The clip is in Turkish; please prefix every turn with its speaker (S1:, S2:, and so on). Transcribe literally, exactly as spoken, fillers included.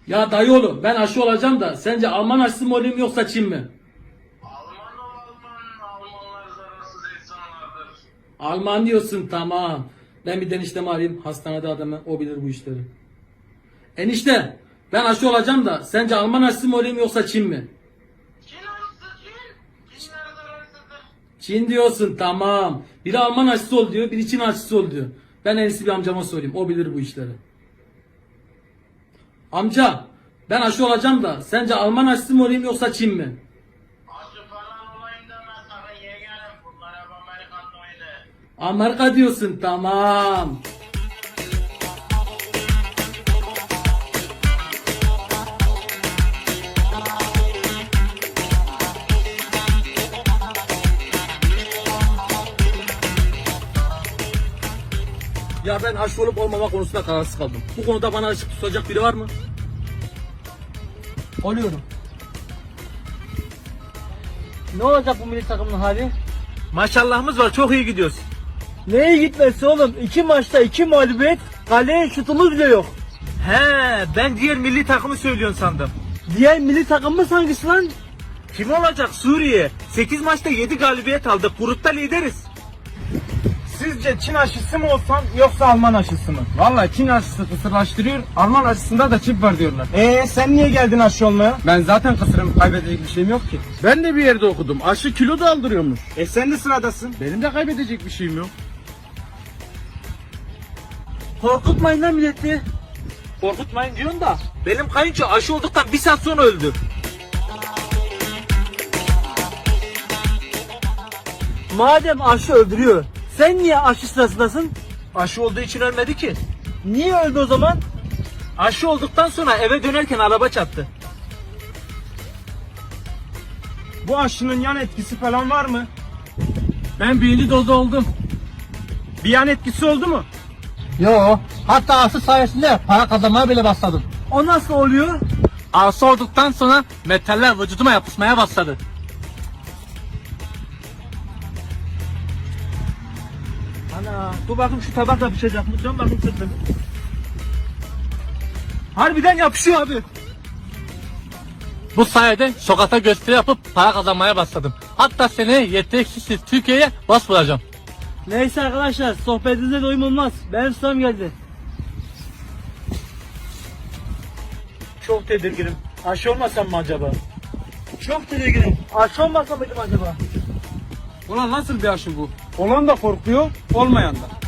S1: Ya dayıoğlu ben aşı olacağım da sence Alman aşısı mı olayım yoksa Çin mi?
S2: Alman ol Alman, Almanlar zararsız insanlardır.
S1: Alman diyorsun, tamam. Ben bir eniştemi arayayım, hastanede adamı, o bilir bu işleri. Enişte ben aşı olacağım da sence Alman aşısı mı olayım yoksa Çin mi?
S2: Çin aşısı Çin. Çinler zararsızdır.
S1: Çin diyorsun, tamam. Biri Alman aşısı ol diyor, biri Çin aşısı ol diyor. Ben en iyisi bir amcama sorayım, o bilir bu işleri. Amca ben aşı olacağım da sence Alman aşısı mı olayım yoksa Çin mi?
S2: Aşı falan olayım deme sakın yeğenim. Bunlar hep Amerikan oyunu.
S1: Amerika diyorsun, tamam. Ya ben aşı olup olmama konusunda kararsız kaldım. Bu konuda bana ışık tutacak biri var mı?
S3: Oluyorum. Ne olacak bu milli takımın hali?
S4: Maşallahımız var, çok iyi gidiyoruz.
S3: Neye gitmesi oğlum? İki maçta iki mağlubiyet, kaleye şutumuz bile yok.
S4: He, ben diğer milli takımı söylüyorsun sandım.
S3: Diğer milli takımımız hangisi lan?
S4: Kim olacak? Suriye. sekiz maçta yedi galibiyet aldık. Grupta lideriz.
S5: Sizce Çin aşısı mı olsam yoksa Alman aşısı mı? Vallahi Çin aşısı kısırlaştırıyor, Alman aşısında da çip var diyorlar. Eee sen niye geldin aşı olmaya? Ben zaten kısırım, kaybedecek bir şeyim yok ki.
S6: Ben de bir yerde okudum. Aşı kilo da aldırıyormuş.
S5: E sen de sıradasın.
S6: Benim de kaybedecek bir şeyim yok.
S3: Korkutmayın lan milleti.
S4: Korkutmayın diyorsun da. Benim kayınço aşı olduktan bir saat sonra öldü.
S3: Madem aşı öldürüyor, sen niye aşı sırasındasın?
S4: Aşı olduğu için ölmedi ki.
S3: Niye öldü o zaman?
S4: Aşı olduktan sonra eve dönerken araba çarptı.
S5: Bu aşının yan etkisi falan var mı?
S6: Ben birinci dozda oldum.
S5: Bir yan etkisi oldu mu?
S3: Yo, hatta aşı sayesinde para kazanmaya bile başladım. O nasıl oluyor?
S4: Aşı olduktan sonra metaller vücuduma yapışmaya başladı.
S3: Ana, dur bakayım şu tabak yapışacak mı? Can bakayım sırtım.
S4: Harbiden yapışıyor abi. Bu sayede sokakta gösteri yapıp para kazanmaya başladım. Hatta seneye yeteneksiz Türkiye'ye bas vuracağım.
S3: Neyse arkadaşlar, sohbetinize doyum olmaz. Benim sıram geldi.
S4: Çok tedirginim. Aşı olmasam mı acaba?
S3: Çok tedirginim. Aşı olmasa mıydım acaba?
S5: Ulan nasıl bir aşı bu? Olan da korkuyor, olmayan da.